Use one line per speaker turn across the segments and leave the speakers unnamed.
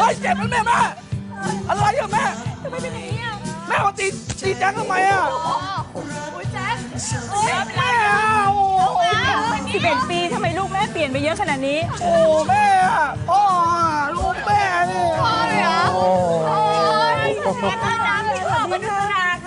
ยเจ็บนะแม่อะไรอะแม่
ทำไมเป็นอย่างนี้อ่ะ
แม่มาตีแจ็คทำไมอะ
โอ้ยแจ็ค
แม่โอ้
11 ปีทำไมลูกแม่เปลี่ยนไปเยอะขนาดนี้
โอ้แม่พ่อลูกแม่นี่
พ่อเลยเหรอโอ้ยขอบคุณค่ะสวัสดี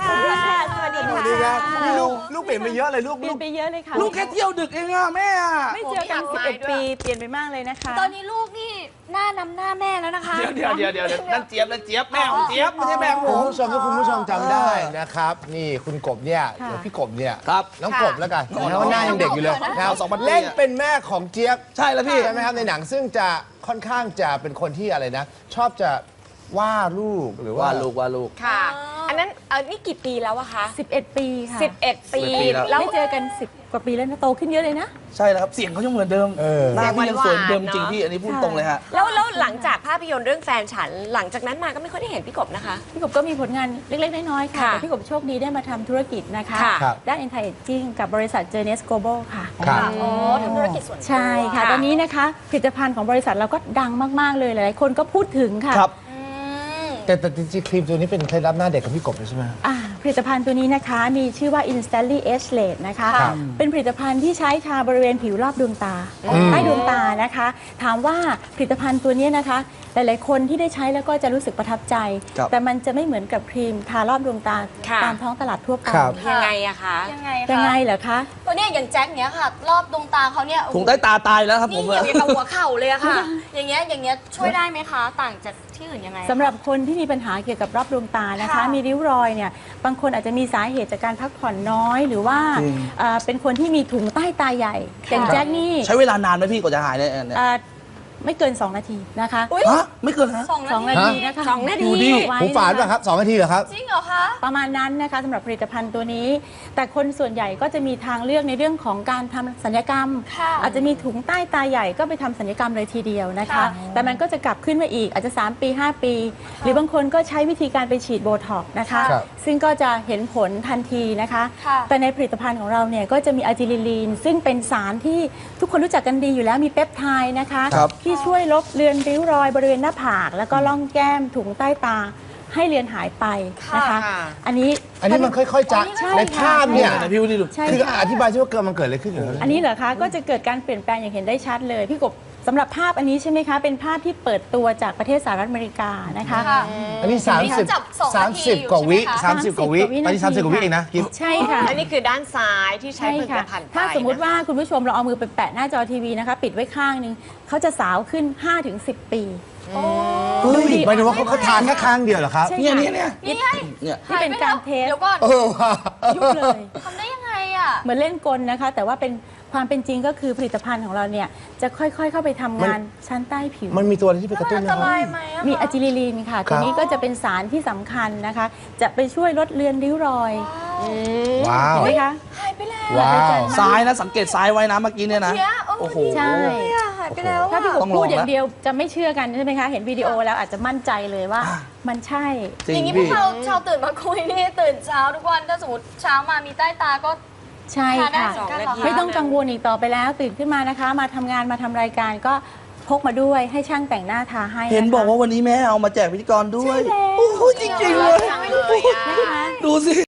ค่ะ
นี่ลูกเปลี่ยนไปเยอะเลยลูก
เปลี่ยนไปเยอะเลยค่ะ
ลูกแค่เที่ยวดึกเองอะแม่
ไม่เจอกัน11 ปีเปลี่ยนไปมากเลยนะคะ
ตอนนี้ลูกนี่หน้านำหน้าแม่แล้วนะคะ
เดี๋ยวนั่นเจี๊ยบแม่ของเจี๊ยบไม่ใช่แม่ของผม
คุณผู้ชมถ้าคุณผู้ชมจำได้นะครับนี่คุณกบเนี่ยหรือพี่กบเนี่ย
ครับ
น้องกบแล้วกันนะว่าหน้ายังเด็กอยู่เลยนะครับเล่นเป็นแม่ของเจี๊ยบ
ใช่แล้วพี่
ใช่ไหมครับในหนังซึ่งจะค่อนข้างจะเป็นคนที่อะไรนะชอบจะว่าลูกหรือว่า
ลูก
ค่ะอันนั้นนี่กี่ปีแล้วอะคะ
11 ปีค่ะ
11 ปี
แล้วไม่เจอกัน10 กว่าปีแล้วนะโตขึ้นเยอะเลยนะ
ใช่แล้วครับเสียงเขายังเหมือนเดิมหน้าพี่ยังสวยเดิมจริงพี่อันนี้พูดตรงเลยฮะ
แล้วหลังจากภาพยนตร์เรื่องแฟนฉันหลังจากนั้นมาก็ไม่ค่อยได้เห็นพี่กบนะคะ
พี่กบก็มีผลงานเล็กๆน้อยๆค่ะแต่พี่กบโชคดีได้มาทำธุรกิจนะคะด้าน anti aging กับบริษัท Journeys Global ค่ะ
อ๋อทำธุรกิจส่วนตัว
ใช่ค่ะตอนนี้นะคะผลิตภัณฑ์ของบริษัทเราก็ดังมากๆเลยหลายๆคนก็พูดถึงค่ะ
แต่จริงๆครีมตัวนี้เป็นเคล็ดลับหน้าเด็กของพี่กบเลยใช่ไหม
ผลิตภัณฑ์ตัวนี้นะคะมีชื่อว่า Instantly Age Late นะคะเป็นผลิตภัณฑ์ที่ใช้ทาบริเวณผิวรอบดวงตาใต้ดวงตานะคะถามว่าผลิตภัณฑ์ตัวนี้นะคะหลายๆคนที่ได้ใช้แล้วก็จะรู้สึกประทับใจแต่มันจะไม่เหมือนกับครีมทารอบดวงตาตามท้องตลาดทั่วไป
ยังไงอะคะ
ยังไงเหรอคะ
ตัวเนี้ยอย่างแจ็คเนี้ยค่ะรอบดวงตาเขาเนี่ย
ถุงใต้ตาตายแล้วครับผม
นี่อย่างกับหัวเข่าเลยอะค่ะอย่างเงี้ยช่วยได้ไหมคะต่างจากที่อื่นยังไง
สำหรับคนที่มีปัญหาเกี่ยวกับรอบดวงตานะคะมีริ้วรอยเนี่ยบางคนอาจจะมีสาเหตุจากการพักผ่อนน้อยหรือว่าเป็นคนที่มีถุงใต้ตาใหญ่อย่างแจ็คนี่
ใช้เวลานานไหมพี่กว่าจะหายเนี่ย
ไม่เกิน2 นาทีนะคะ
ฮะไม่เกินฮะ
2 นาทีนะคะ
2 นาที
หูฝาดป่ะครับ2 นาทีเหรอครับ
จริงเหรอคะ
ประมาณนั้นนะคะสำหรับผลิตภัณฑ์ตัวนี้แต่คนส่วนใหญ่ก็จะมีทางเลือกในเรื่องของการทำศัลยกรรมอาจจะมีถุงใต้ตาใหญ่ก็ไปทำศัลยกรรมเลยทีเดียวนะคะแต่มันก็จะกลับขึ้นมาอีกอาจจะ3 ปี 5 ปี หรือบางคนก็ใช้วิธีการไปฉีดโบท็อกซ์นะคะซึ่งก็จะเห็นผลทันทีนะคะแต่ในผลิตภัณฑ์ของเราเนี่ยก็จะมีอะจิลิลีนซึ่งเป็นสารที่ทุกคนรู้จักกันดีอยู่แล้วมีเปปไทด์นะคะที่ช่วยลบเลือนริ้วรอยบริเวณหน้าผากแล้วก็ร่องแก้มถุงใต้ตาให้เลือนหายไปนะคะอันนี้
มันค่อยๆจะในภาพเนี่ย
พี่วิลลี่ดู
คืออธิบายใช่ว่ามันเกิดอะไรขึ้นอยู่
อันนี้เหรอคะก็จะเกิดการเปลี่ยนแปลงอย่างเห็นได้ชัดเลยพี่กบสำหรับภาพอันนี้ใช่ไหมคะเป็นภาพที่เปิดตัวจากประเทศสหรัฐอเมริกานะคะ
อันนี้30 กว่าวิ30 กว่าวิตอนนี้30 กว่าวิเองนะกิ๊บ
ใช่ค่ะ
อันนี้คือด้านซ้ายที่ใช้ผลิตภัณฑ์
ถ้าสมมุติว่าคุณผู้ชมเราเอามือไปแปะหน้าจอทีวีนะคะปิดไว้ข้างนึงเขาจะสาวขึ้น 5-10 ปี
หมายถึงว่าเขาทานแค่ครั้งเดียวเหรอครับ
เนี่ย
ที่เป็นการเทส
เดี๋ยวก่อน
ยุบเลย
ทำได้ยังไงอ่ะ
เหมือนเล่นกลนะคะแต่ว่าเป็นความเป็นจริงก็คือผลิตภัณฑ์ของเราเนี่ยจะค่อยๆเข้าไปทำงานชั้นใต้ผิว
มันมีตัวอะไรที่ไปกระตุ้น
ไหม
มีอะจิลิลีนค่ะตัวนี้ก็จะเป็นสารที่สำคัญนะคะจะไปช่วยลดเลือนริ้วรอย
ว้าว
เห็นไหมคะ
หายไปแล้ว
ซ้ายนะสังเกตซ้ายไว้นะเมื่อกี้เนี่ยนะโอ้โห
ใช่
หายไปแล้ว
ถ้าพี่กบพูดอย่างเดียวจะไม่เชื่อกันใช่ไหมคะเห็นวิดีโอแล้วอาจจะมั่นใจเลยว่ามันใช่
อย่างนี้พวกเราชาวตื่นมาคุยนี่ตื่นเช้าทุกวันถ้าสมมติเช้ามามีใต้ตาก็
ใช่ค่ะไม่ต้องกังวลอีกต่อไปแล้วตื่นขึ้นมานะคะมาทำงานมาทำรายการก็พกมาด้วยให้ช่างแต่งหน้าทาให้
เห็นบอกว่าวันนี้แม่เอามาแจกพิธีกรด้วยโอ้โหจริงๆเลยดูสิ